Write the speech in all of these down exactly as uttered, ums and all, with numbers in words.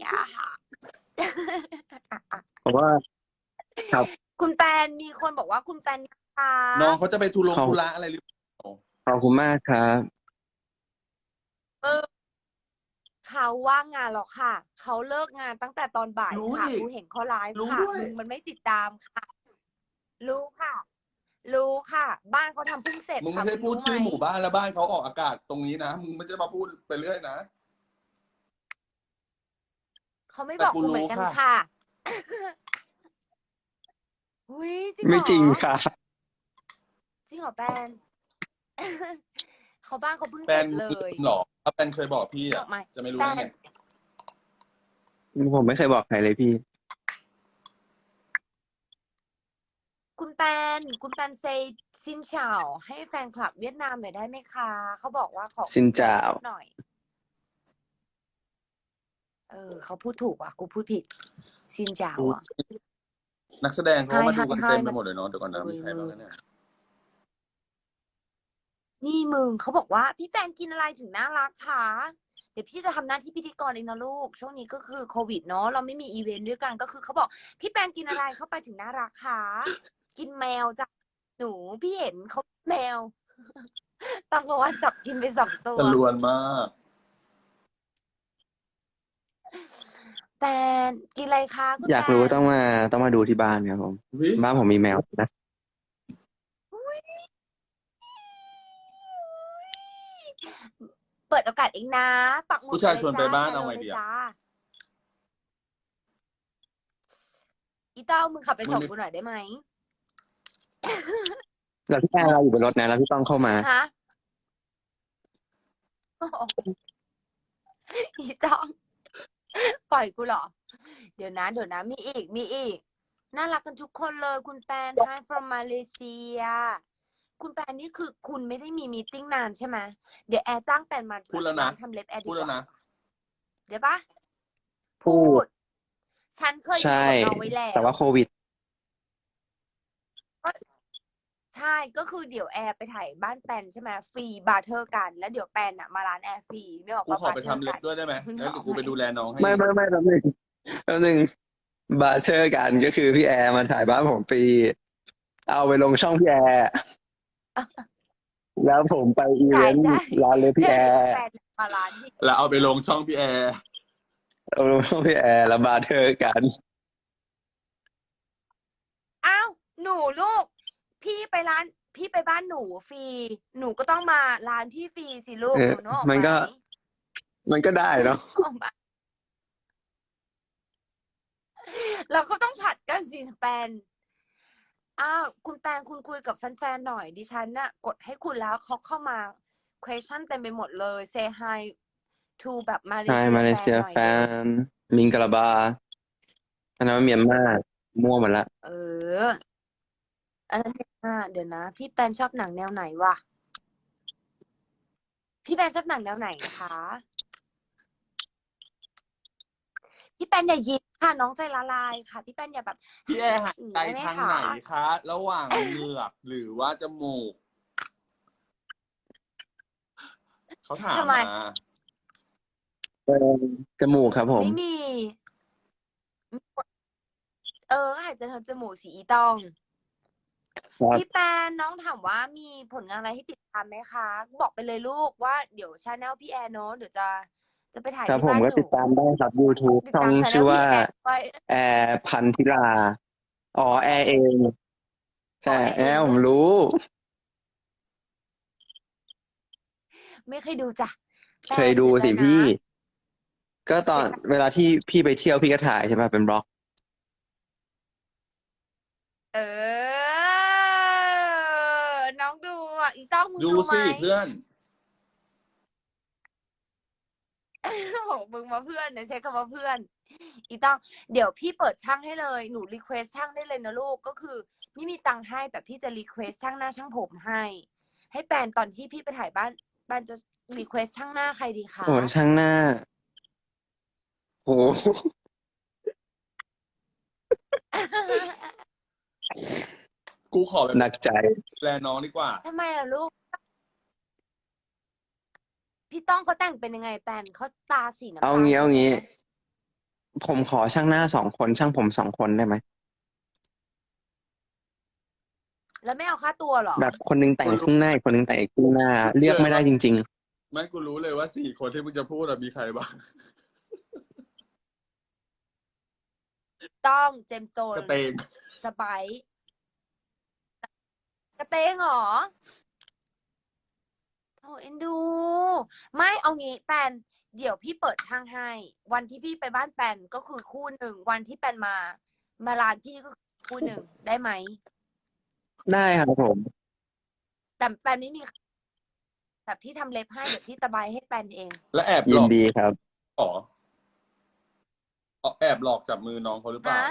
อะค่ะเพราะว่าครับคุณแปนมีคนบอกว่าคุณแปนคะน้องเขาจะไปทุลงเขาทุระอะไรหรือเปล่าขอบคุณมากครับเออเขาว่างงานหรอกค่ะ เขาเลิกงานตั้งแต่ตอนบ่ายรู้ค่ะอีกกูเห็นเขาไลฟ์รู้ค่ะด้วยมึงมันไม่ติดตามค่ะ รู้ค่ะ รู้ค่ะ บ้านเขาทำเพิ่งเสร็จมึงค่ะไม่ใช่คุณพูดรู้ไหมชื่อหมู่บ้านและบ้านเขาออกอากาศตรงนี้นะ มึงไม่ใช่มาพูดไปเรื่อยนะเขาไม่แต่บอกกูกูเหมืรู้อนกันค่ะค่ะ อุ๊ย จริงเหรไม่อ? จริงค่ะจริงเหรอแปน เขาบ้านเขาเพิ่งแปเสร็นจเลลืยมเหรอ ถ้าแปนเคยบอกพี่บอะอกใหม่จะไม่รู้แปได้ไงนผมไม่เคยบอกใครเลยพี่คุณแปน คุณแปน say ซินเฉา ให้แฟนคลับเวียดนามหน่อยได้ไหมคะ? เขาบอกว่าขอซินเจ้าพูดหน่อย เออ เขาพูดถูกว่ะ กูพูดผิด ซินเจ้าอุ๊ยอะนักแสดงเขาก็มาดูกัน Hi เต็ม Hi ไป Hi หมดเลยเนาะ เดี๋ยวก่อนนะเฮ้มียใครมึบ้างงนะเนี่ย? นี่มึง เขาบอกว่า "พี่แปนกินอะไรถึงน่ารักคะ?" เดี๋ยวพี่จะทำหน้าที่พิธีกรเองนะลูก ช่วงนี้ก็คือโควิดเนาะ เราไม่มีอิเวนต์ด้วยกัน ก็คือเขาบอก "พี่แปนกินอะไรเข้าไปถึงน่ารักคะ?" กินแมวจ้ะ หนู พี่เห็นเขาแมว ตอนกลางวันจับกินไป สอง ตัจวรวนมากแปน กินอะไรคะคุณอยากแปรู้น? ต้องมา ต้องมาดูที่บ้านครับผมอุ๊ยบ้านผมมีแมวนะอุ๊ย เปิดโอกาสเองนะ ปักหมุผูด้ชายมาชวนเลไปยจ้ะบ้านแฮลเอาโลไงเลดียอะ? จ้ะ อีต้อง มึงขับไปมึงส่งนี่กูหน่อยได้ไหม? แล้วพี่แอร์เราอยู่บนรถนะ แล้วพี่ต้องเข้ามาฮะ? โอ้โฮ อีต้อง ปล่อยกูเหรอ? เดี๋ยวนะ เดี๋ยวนะ มีอีก มีอีก น่ารักกันทุกคนเลย คุณแปน Hi from Malaysia คุณแปนนี่คือคุณไม่ได้มีมีตติงนานใช่ไหม? เดี๋ยวแอร์จ้างแปนมาพูดแล้วร้านะนทำเล็บแอร์พดูีดกแล้ว่วานะเดี๋ยวเปล่า? พพููดดฉันเคยใชดีลกับน้องไว้แล้แต่ว่วาโควิดก็ ใช่ ก็คือเดี๋ยวแอร์ไปถ่ายบ้านแปน ใช่ไหม ฟรี บาร์เทอร์ กัน แล้วเดี๋ยวแปนน่ะมาร้านแอร์ฟรี นึกออกกูเปล่า? ขอไปบาร์เททอร์ำเล็กับ นด้วยได้ไหม? นึกแล้วอเดี๋อย กวกูไหม? ไปดูแลน้องให้ไม่เองๆ ๆ แป๊บหนึ่ง แป๊บหนึ่ง บาร์เทอร์ กัน ก็คือพี่แอร์มาถ่ายบ้านผมฟรี เอาไปลงช่องพี่แอร์ แล้วผมไปอิใเวนต์ช่ร้านเล็บๆพี่แล้แอวเดี๋ยวร์แปนมาร้านพี่แล้วเอาไปลงช่องพี่แอร์เอาลงช่องพี่แอร์ แล้วบาร์เทอร์ กันอ้าว หนูลูก พี่ไปร้าน พี่ไปบ้านหนูฟรี หนูก็ต้องมาร้านพี่ฟรีสิลูเอก อหนูนึกออกมัไนหม? ก็ มันก็ได้เนาะนึกออกเปล่า? เราก็ต้องผลัดกันสิแปน อ้าว คุณแปน คุณคุยกับแฟน ๆ หน่อย ดิฉันน่ะกดให้คุณแล้ว เขาเข้ามา เควสชัน เต็มไปหมดเลย Say hi to แบบ Hi Malaysia แฟน Malaysia หน่อยเร็ว fan Minggalabaa อันนั้นมันเมียนมา มั่วหมดแล้วเออ อันนั้น เมียนมา เดี๋ยวนะ พี่แปนชอบหนังแนวไหนวะ? พี่แปนชอบหนังแนวไหนคะ? พี่แปนอย่ายิ้มค่ะ น้องใจละลายค่ะ พี่แปนอย่าแบบพี่แอร์หายอย่างใจงี้ได้ไหมทางคะ? ไหนคะ? ระหว่าง เหงือก หรือว่าจมูก? เขาถาทำมไม? มาเออ จมูกครับผไมม่มี อือ กด เออ ก็หายใจทางจมูกสิอีต้องครัพีบ่แปน น้องถามว่า มีผลงานอะไรให้ติดตามไหมคะ? บอกไปเลยลูกว่า เดี๋ยว แชนเนิล พี่แอร์เนาะ เดี๋ยวจะ จะไปถ่ายครัทบี่ผบ้าม นก็หนูติดตามได้ครับ ยูทูบติดช่อตาง ม แชนชเนิื่ลอวพี่่าแอร์ด้วยแอร์ พันธิรา อ๋อ แอร์เอง ใชอ๋อ่แอร์แอร์เองดผ้วยมรู้ไม่เคยดูจ้ะ แปเคยนดเูสียใจสิพนะี่ ก็ตเสอีนยใจเวลาที่พี่ไปเที่ยว พี่ก็ถ่ายใช่เปล่า เป็น Vlog เออ น้องดูอะ อีต้อง มึงดูดูไหสม? ิเพื่อนโอ้โฮ มึงมาเพื่อนนะ ใช้คำว่าเพื่อน อีต้อง เดี๋ยวพี่เปิดช่างให้เลย หนูรีเควสต์ช่างได้เลยนะลูก ก็คือไม่มีตังค์ให้ แต่พี่จะรีเควสต์ช่างหน้าช่างผมให้ ให้แปนตอนที่พี่ไปถ่ายบ้าน แปนจะรีเควสต์ช่างหน้าใครดีคโอ้โฮะ? ช่างหน้า โอ้โฮกูขอแบบหนักใจดูแลน้องดีกว่าทำไมอะลูก? พี่ต้องเขาแต่งเป็นยังไงแปน เขาตาสีน้เอาำตาลงี้ใชเอา่งี้ไหม? ผมขอช่างหน้าสองคนช่างผมสองคนได้ไหมแล้วไม่เอาค่าตัวเหรอแบบคนนึงแต่กูงครู้รึ่งหน้าอีกคนนึงแต่งอีกครึ่งหน้า เลือกเลยไม่ได้ว่าจริงไม่กูรู้เลยว่าสี่คนที่มึงจะพูดอะมีใครบ้างต้องเจมส์โจนกระเตงสไปซ์กระเตงเหรอโอ้เอ็นดู ไม่เอางี้แปนเดี๋ยวพี่เปิดช่างให้ วันที่พี่ไปบ้านแปนก็คือคู่หนึ่ง วันที่แปนมา มาร้านพี่ก็คือคู่หนึ่ง ได้ไหมๆ ได้ครับผมแต่แปนไม่มีแต่พี่ทำเล็บให้ เดี๋ยวพี่ตะไบให้แปนเองและแอบหยิลนอกดีครับอ๋อเอาแอบหลอกจับมือน้องเขาหรือเปล่าฮะ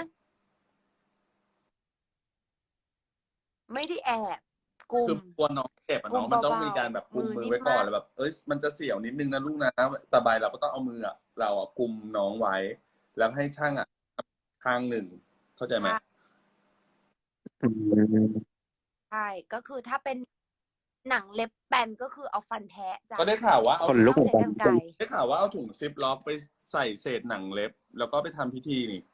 ไม่ได้แอบกุคือมกลัวน้องเจ็บอะกุน้อมงมันต้องเบามีการแบบๆกุมมือมือนิ่ไว้มก่อมาน กแล้วแบบ เอ้ยมันจะเสียวนิดนึงนะลูกนะสบายเราก็ต้องเอามืออะเราอะกุมน้องไว้ แล้วให้ช่างอะข้างหนึ่งเข้าใจไหมอืมใช่ ก็คือถ้าเป็นหนังเล็บแปนก็คือเอาฟันแทะจ้ะก็ได้ข่าวว่าเอาขนลุกต้อเหงมือนใช้กันกรรไกรได้ข่าวว่าเอาถุงซิปล็อกไปใส่เศษหนังเล็บ แล้วก็ไปทำพิธีนี่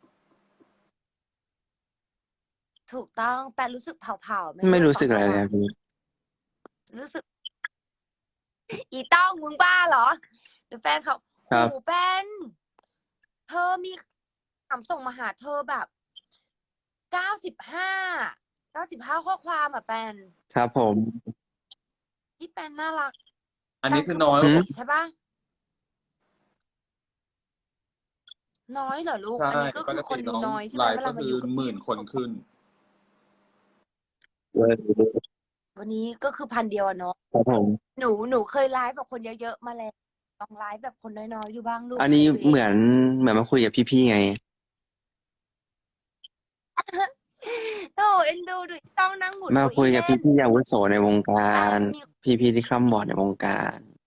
ถูกต้องแปนรู้สึกเผาๆไหมไม่ลูกรู้ตอสึนกอะไรระหเลยว่าคงรับพี่รู้สึก อีต้องมึงบ้าเหรอ หรือแฟนเขาครับโอ้โฮแปน เธอมีถามส่งมาหาเธอแบบ เก้าสิบห้า เก้าสิบห้า ข้อความอะแปนครับผมที่แปนน่ารักอันแปนี้นคืคือ อน้ปอยกหือติใช่เปล่า? น้อยเหรอลูกใช่อันนี้ก็ปคืกอคตินดูน้องน้อยใช่ไหไลมฟ์เวก็ลามาคืออยู่กับหพี่มื่นคนขึ้นวันนี้ก็คือ พัน เดียวอะเนาะครับผมหนู หนูเคยไลฟ์กับคนเยอะ ๆ มาแล้ว ลองไลฟ์แบบคนน้อย ๆ ดูบ้างลูกอันให้นี้ตัวเอเหมืงอน เหมือนมาคุยกับพี่ ๆ ไงโธ่ เอ็นดู ดูอีต้องนั่งหมุนมาเก้าคุอี้ยเลกับ่นพี่ ๆ อาวุโสในวงกาแปรนมีพี่ ๆ ที่คร่ำวอร์ดในวงการ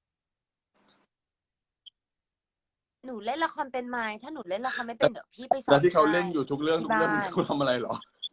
หนูเล่นละครเป็นไหม? ถ้าหนูเล่นละครไม่เป็น เดี๋ยวพี่ไปสแล้อวน ที่เขาให้เล่นอยู่ทุกเรื่องทีทุ่ กบ้เรื่าองนเขาทำอะไรเหรอ?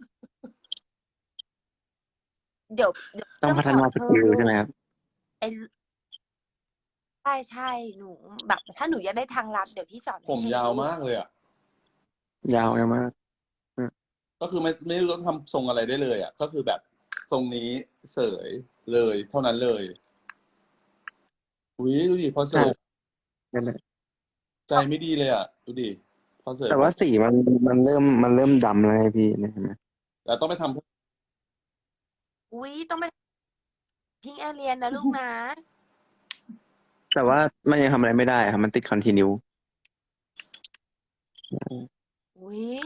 เดี๋ยว เดี๋ยวต้อต้งองพัฒสอนานเสกพิ่มิลลูใช่ไหมกครับ? ไอ้ ใช่ ๆ หนู แบบถ้าหนูอยากได้ทางลัด เดี๋ยวพี่สอนผมให้ยาวลูมาก เลยอะยาว ยาวมาก อือก็คือไม่ ไม่รู้ต้องทำทรงอะไรได้เลยอะ ก็คือแบบทรงนี้เสยเลย เท่านั้นเลย อุ๊ย ดูดิ พอเสใช่ยนั่นแหละใจไม่ดีเลยอะ ดูดิ พอเสยแต่ปว่าุ๊บสีมัน มันเริ่ม มันเริ่มดำแล้วไงพี่ เนี่ยเห็นไหม? แล้วต้องไปทำอุ๊ย ต้องไป Pink Alien นะลูกนะแต่ว่ามันยังทำอะไรไม่ได้อะครับ มันติด continue อืออุ๊ย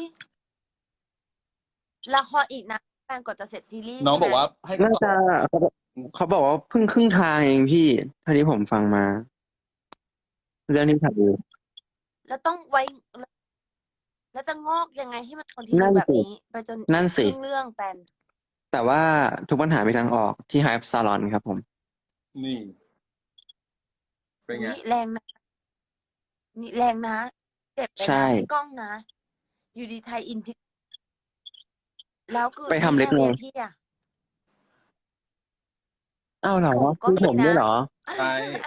ละครอีกนานแปนกว่าจะเสร็จซีรีส์น้อใชง่ไหม? บอกว่าให้น่าจะ เขาบอก เขาบอกว่าเพิ่งครึ่งทางเองพี่ เท่าที่ผมฟังมา เรื่องที่ถ่ายอยู่แล้วต้องไว้ แล้ว แล้วจะงอกยังไงให้มันนั่ continue นแบบสินี้ ไปจนนั่นคสคิรึ่งเรื่องแปนแต่ว่าทุกปัญหามีทางออกที่ Hype Salon ครับผมนี่ เป็นอุ๊ไง? ย แรงนะ นี่แรงนะ เจ็บเลยใช่นะ พี่ก้องนะ อยู่ดี tie in ผิด แล้วคือไปทำ Pink เล็บไง Alien พี่อะอ้าว เหรอ? ผมก็มีมีผมด้วนะยเหรอ? ใช่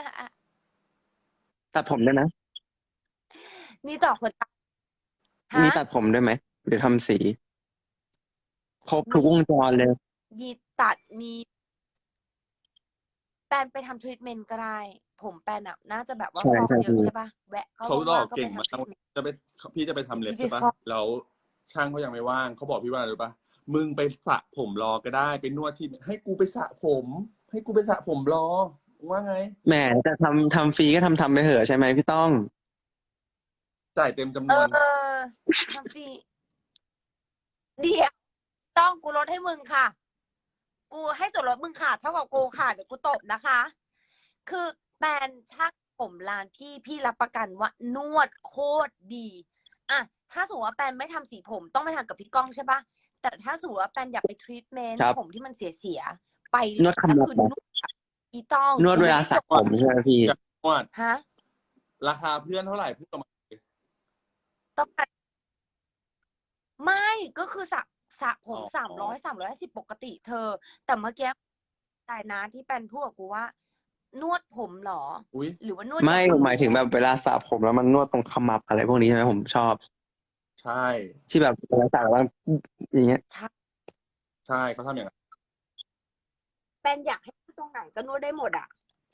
ตัดผมด้วยนะมีต่อขนตา ฮะ? มีตัดผมด้วยไหม? หรือทำสี? ครบมทุกวงจรเลยมีตัด มี แปนไปทำทรีตเมนต์ก็ได้ ผมแปนน่ะน่าจะแบบว่าใช่ฟอกๆเยพีอะ่ใช่เปล่า? แวะ ก็เขาหลว่าอง กๆ ก็เก่ไปงทำมาทรีกตเมนต์จะไป ข พี่จะไปทำเดี๋เล็ยวบพี่ใช่เปล่าไปฟอกแล้วช่างเขายังไม่ว่าง เขาบอกพี่ว่าอะไรรู้เปล่า? มึงไปสระผมรอก็ได้ ไปนวดที่ ให้กูไปสระผม ให้กูไปสระผมรอ มึงว่าไง? แหม จะทำ ทำฟรีก็ทำ ๆ ไปเหอะ ใช่ไหมพี่ต้อง? จ่ายเต็มจำเอนวนอ ทำฟรี เดี๋ยว ต้อง กูลดให้มึงค่ะ กูให้ส่วนลดมึงค่ะ เท่ากับกูค่ะ เดี๋ยวกูตบนะคะ คือแปนช่างผมร้านพี่ พี่รับประกันว่านวดโคตรดี อะ ถ้าสมมุติว่าแปนไม่ทำสีผมต้องไปทำกับพี่ก้องใช่เปล่า? แต่ถ้าสมมุติว่าแปนอยากไปทรีตเมนต์ครับผมที่มันเสีย ๆ ไปนวดแล้คำวนัคบือเหรอ? นวดแบบ อีต้องนวดยุ้เวลายสระจบผมใช่ไหมพี่? อยากนวดฮะ? ราคาเพื่อนเท่าไร? พูดออกมาสิต้องการ ไม่ ก็คือสระ สระผอ๋มอสามร้อย สามร้อยห้าสิบ ปกติเธอ แต่เมื่อกี้ อะไรนะที่แปนพูดกับกูว่า นวดผมเหรออุ้ยหรือว่านวดไม่กับหมายถึงแบบเวลาสระผมแล้วมันนวดตรงขมับอะไรพวกนี้ใช่ไหมผมชอบใช่ที่แบบเวลาสระแล้วมันอย่างเงี้ยใช่ใช่เขาทำอย่างนั้นแปนอยากให้ตรงไหนก็นวดได้หมดอ่ะ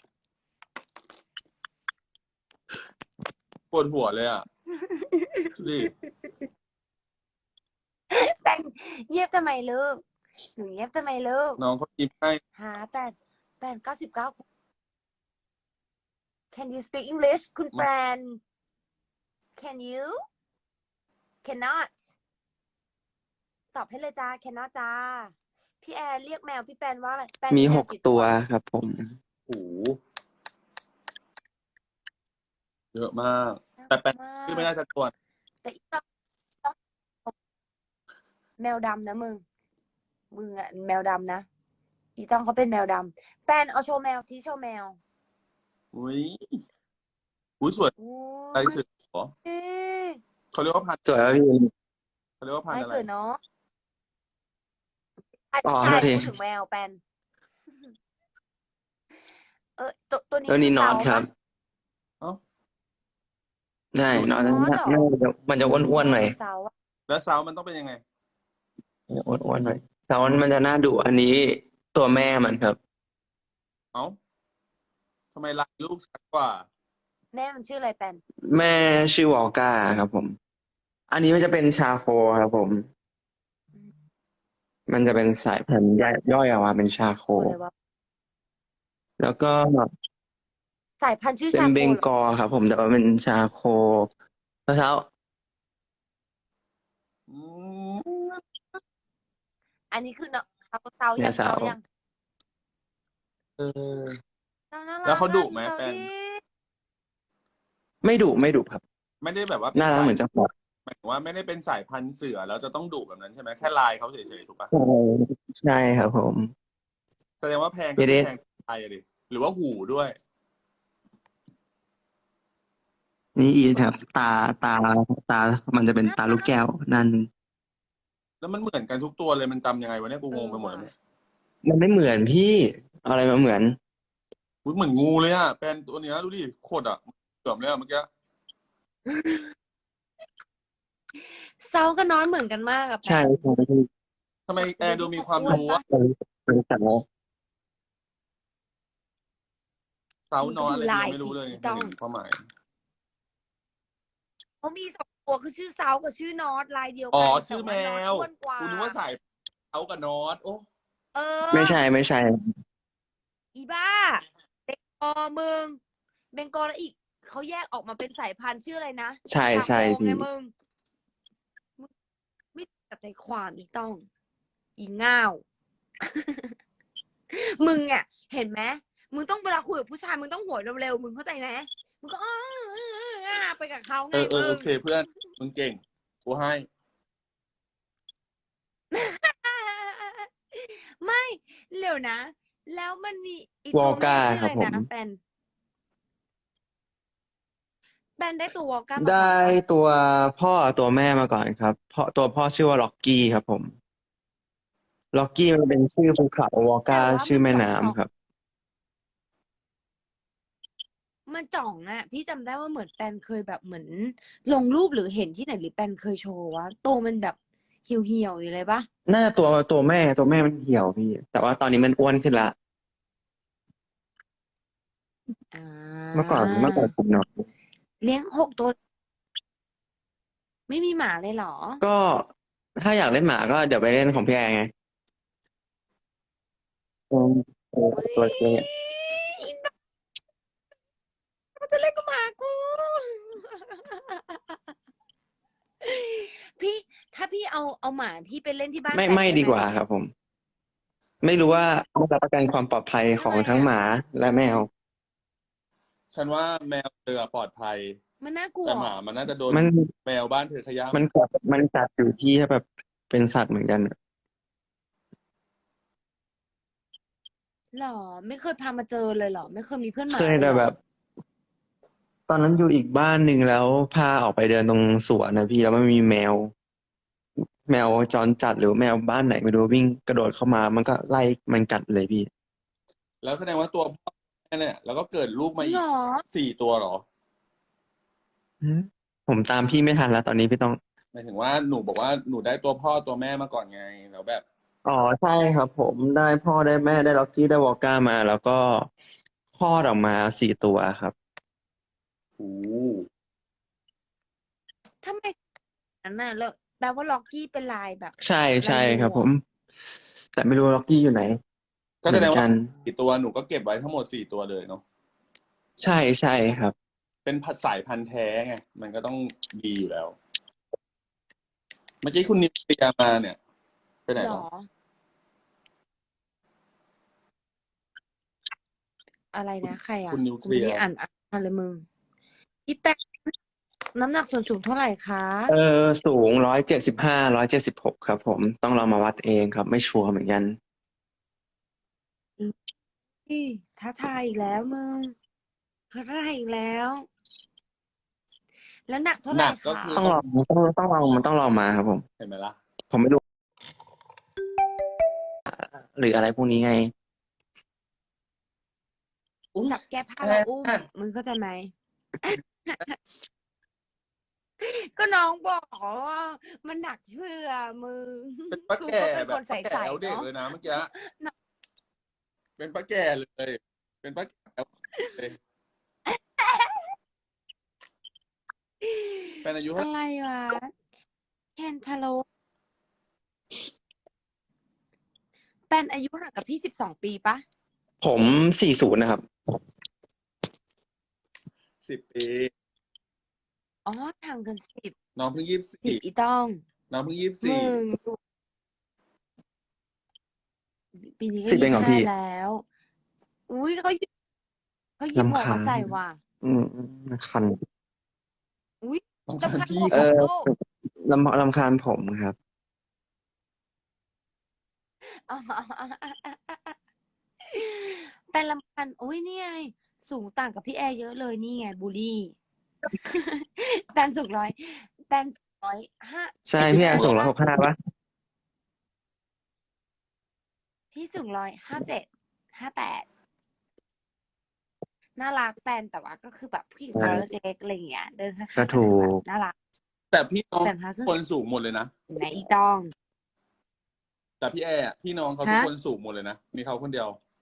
ปวดหัวเลยอ่ะ ดิแปนเงียบทำไมลูกหนูเงียบทำไมลูกน้องเขายิ้มให้หาแปนแปนเก้าสิบเก้า Can you speak English คุณแปน Can you cannot ตอบให้เลยจ้า cannot จ้า พี่แอร์เรียกแมวพี่แปนว่าอะไรแปนมีแมหวกกี่ตัวครับผมโอ้โหเยอะมาก แต่แปลมากชื่อไม่ได้สักตัวแต่อีต้องต้องแมวดำนะมึง มึงอะแมวดำนะ อีต้องเขาเป็นแมวดำแปนเอาโชว์แมวซิโชว์แมวอุ้ยอุ้ยสวยโอ้ลายยเสือเหรอเอ๊ะเขาเรียกว่าพันธุ์สวยครับพี่เขาเรียกว่าพันธุ์ไม่อะไรสวยเนาะไอ้อ๋อไอ้โทษทีพูดถึงแมวแปน เออตัวตัวนี้ตัวนี้คืนอตเซาครับปะเอ้าใช่นอตนอตเหรอน่าจะมันจะอ้วนๆหน่อยเซาอะแล้วซาวมันต้องเป็นยังไงอ้วนๆหน่อยแต่ว่ามันจะน่าดุอันนี้ตัวแม่มันครับเอ้าทำไมลายลูกชัดกว่าแม่มันชื่ออะไรแปนแม่ชื่อวอลก้าครับผม อันนี้มันจะเป็นชาโคครับผม มันจะเป็นสายพันธุ์ย่อยย่อยออกมาเป็นชาโคโอ้เลยวะแล้วก็สายพันธุ์ชื่อเป็นชาโคเบงเหรอกอลครับผมแต่ว่าเป็นชาโคแล้วเช้าอืมอันนี้คือเนาะเซาเซาเนี่ยัยงเซาเซายังเออเซาน่ารักแล้วเขาดุไหมอะแป้งดูสิไม่ดุไม่ดุครับไม่ได้แบบว่าเป็นน่ารักสายเหมือนเจ้าของหมายถึงว่าไม่ได้เป็นสายพันธุ์เสือแล้วจะต้องดุแบบนั้นใช่ไหมแค่ลายเขาเฉยๆถูกปะใช่ครับผมแสดงว่าแพงก็เดคือเดแพงลายอะดิหรือว่าหูด้วยนี่อีครับ ตาตาตา มันจะเป็นตาลูกแก้วนั่นแล้วมันเหมือนกันทุกตัวเลยมันจำยังไงวะเนี่ยกูเองงไปอหมดว่ะแล้วเนี่ยมันไม่เหมือนพี่เอาอะไรมาเหมือนอุ๊ยเหมือนงูเลยอ่ะแปลนตัวเนี้ยดูดิโคตรอ่ะเกือบเลยอ่ะเมื่อกี้เซากับนอนเหมือนกันมากอะแปใช่นใช่พี่ทำไมแอร์ดูมีดูดิความเขาอ้วนรู้ปะอะเป็นเป็นสาวเซามึงนก็อนดูอะไรลายังยไม่รู้สิเลยอีไม่ต้องเห็นความหมายเขามีสองตัวคือชื่อเซากับชื่อนอตลายเดียวอ๋อกันชื่อแต่แมว่านอตวอ้วนกว่ากูนึกว่าสายเซากับนอตโอ้เออไม่ใช่ไม่ใช่อีบ้าเบงกอลมึงเบงกอลแล้วอีกเขาแยกออกมาเป็นสายพันธุ์ชื่ออะไรนะใช่ชาใช่โคไงพี่มึงมึงไม่ตัดใจความอีต้อง อีง่าว มึงอ่ะเห็นไหมมึงต้องเวลาคุยกับผู้ชายมึงต้องหัวเร็วๆมึงเข้าใจไหมมึงก็อ้ออ้ออ้อไปกับเขาไงเออเอมึอโอง เคเพื่อนมึงเก่งกูให้ไม่เร็วนะ แล้วมันมีอีกวอตัวลแม่ก้าชื่อคอะรับไรผมนะแปนแปนได้ตัววอลก้ามาก่ได้อนปะตัวพ่อตัวแม่มาก่อนครับพ่อตัวพ่อชื่อว่าล็อกกี้ครับผม ล็อกกี้มันเป็นชื่อภูเขาวอลแต่ก้าว่าชื่อมันแม่จ่องน้ำครับมันจ่องอ่ะ พี่จำได้ว่าเหมือนแปนเคยแบบเหมือน ลงรูปหรือเห็นที่ไหนหรือแปนเคยโชว์ว่าตัวมันแบบเหี่ยวๆอยู่เลยปะน่าจะตัวตัวแม่ตัวแม่มันเหี่ยวพี่ แต่ว่าตอนนี้มันอ้วนขึ้นละอ่าเมื่อก่อนเมื่อก่อนผมน้อยเลี้ยงหกตัว ไม่มีหมาเลยเหรอก็ถ้าอยากเล่นหมาก็เดี๋ยวไปเล่นของพี่แอร์ไงอืมเออเฮ้ยตัวเนี้ยมันจะเล่นกับหมากู พี่ถ้าพี่เอาเอาหมาพี่ไปเล่นที่บ้านไม่แปนไม่ได้ดีไหมกว่าครับผม ไม่รู้ว่าไม่รับประกันความปลอดภัยของทำไมทั้งอะหมาและแมวฉันว่าแมวเธอปลอดภัยมันน่ากลัวแต่หมามันน่าจะโดนมันแมวบ้านเธอขย้มันกัดมันกัดอยู่ที่แบบเป็นสัตว์เหมือนกันอะหรอ ไม่เคยพามาเจอเลยเหรอ ไม่เคยมีเพื่อนหมาเคยเลยแต่เหรแบอบ ตอนนั้นอยู่อีกบ้านหนึ่งแล้วพาออกไปเดินตรงสวนนะพี่แล้วมันมีแมว แมวจรจัดหรือแมวบ้านไหนไม่รู้วิ่งกระโดดเข้ามา มันก็ไล่มันกัดเลยพี่ำแล้วแสดงว่าตัวพ่อเนี่ยแล้วก็เกิดลูกจมาริงอีเหรกอสี่ตัวเหรอหือ ผมตามพี่ไม่ทันแล้วตอนนี้พี่ต้องหมายถึงว่าหนูบอกว่าหนูได้ตัวพ่อตัวแม่มาก่อนไง แล้วแบบอ๋อ ใช่ครับผม ได้พ่อได้แม่ได้ Rocky ได้ Vodka มา แล้วก็คลอดออกมา สี่ ตัวครับโอ้โฮทำไม งั้นน่ะ แล้วแปลว่า Rocky เป็นลายแบบใช่ลาใช่ยงูครับเหรผอ? ม แต่ไม่รู้ Rocky อยู่ไหนก็เหมือนแสดงกัว่านสี่ ตัวหนูก็เก็บไว้ทั้งหมด สี่ ตัวเลยเนาะใช่ ใช่ครับเป็นพัด สายพันธุ์แท้ไง มันก็ต้องดีอยู่แล้ว เมื่อกี้คุณนิวเคลียร์มาเนี่ย ไปไหนเหรแล้อ? ว? อะไรนะ ใครอคุะ? ณนิวกเคูไลม่ีไยด้ร์อ่าน อ่านเลยมึง พี่ แป้ง น้ำหนักส่วนสูงเท่าไรคะ? เอ่อ สูง หนึ่งร้อยเจ็ดสิบห้า หนึ่งร้อยเจ็ดสิบหก ครับผม ต้องลองมาวัดเองครับ ไม่ชัวร์เหมือนกันอืม อุ๊ย ท้าทายอีกแล้วมึง ท้าทายอีกแล้ว แล้วหนักเท่าหไรนักคก็ะ? คือต้องลอง ต้อง ต้องลอง มันต้องลองมาครับผมเห็นไหมล่ะ? ผมไม่รู้ อ่า หรืออะไรพวกนี้ไงอุ๊ยจับแก้ผ้าแอแล้วอุ้มร์มึงเข้าใจไหม? ก็น้องบอกว่า มันหนักเสื้อมึงเป็นป้ากูแก่ก็เป็นแบคบนป้าใแก่ส ๆแอ๋วเด็เนกาะเลยนะเมื่อกี้เนาะเป็นป้าแก่เลย เป็นป้า แก่ เลย แฟนอายุ เท่าอะไรวะ แคนทาลูป แป้นอายุห่างกับพี่ สิบสอง ปีเปล่า? ผม สี่สิบ นะครับสิบ ปีอ๋อ ห่างกัน สิบน้องเพิ่ง ยี่สิบสสิี่บ อีต้องน้องเพิ่ง ยี่สิบสมึี่ง ดู ปีนี้ก็สิบ เยี่สองเหิรอบห้าพี่? แล้ว อุ๊ย เขา หยิบ เขาหยิบหมรำควกมาาญใส่ว่ะอืม ๆ คันอุ๊ยรำรำคาญคาญพีหมวก่เอของอลูกรำ รำคาญผมครับอ๋อ แป้นรำคาญ อุ๊ย นี่ไง สูงต่างกับพี่แอร์เยอะเลย นี่ไง บุลลี แป้นสูงร้อย แป้น สูง ร้อยห้าใช่ พี่แอร์สูง หนึ่งร้อยห้าหกสิบห้า เปล่า? พี่สูง หนึ่งร้อยห้าสิบเจ็ด ห้าสิบแปด น่ารัก แป้น แต่ว่าก็คือแบบผู้หญิงใชตัว่เล็ก ๆ อะไรอย่างเงี้ย เดินข้ก็าง ๆถก็ูคือแบบกน่ารักแต่พี่น้องแต่ถ้าส้นคนสูงหมดเลยนะเห็นไหมอีต้องแต่พี่แอร์อะ พี่น้องเขาฮทุกะ? คนสูงหมดเลยนะ มีเขาคนเดียว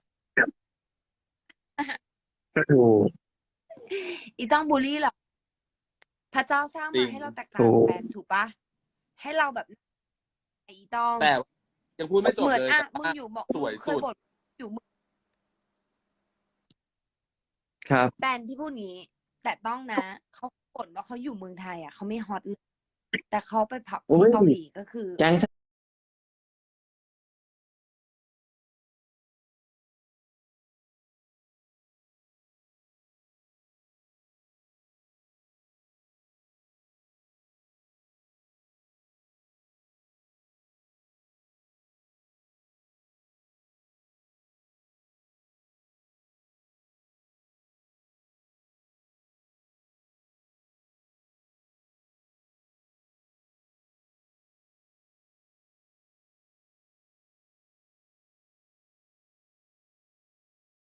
ก็ถูกอีต้องบุลลีเหรอ? พระเจ้าสร้างจรมิงาให้เราแตกถต่าูง แปกน ถูกเปล่า? ให้เราแบบ อีต้องแต่ ยังพูดไม่จเหบมือนเลยอะแบบมึว่างอยู่ บอกสมึวยงเคสุยดบ่น อยู่ มึครับแป้น พี่พูดงี้ แต่ต้องนะ เขาบ่นว่าเขาอยู่เมืองไทยอะ เขาไม่ฮอต เลย แต่เขาไปผับอุท๊ี่ยเกาหลี ก็คือแก๊ง ช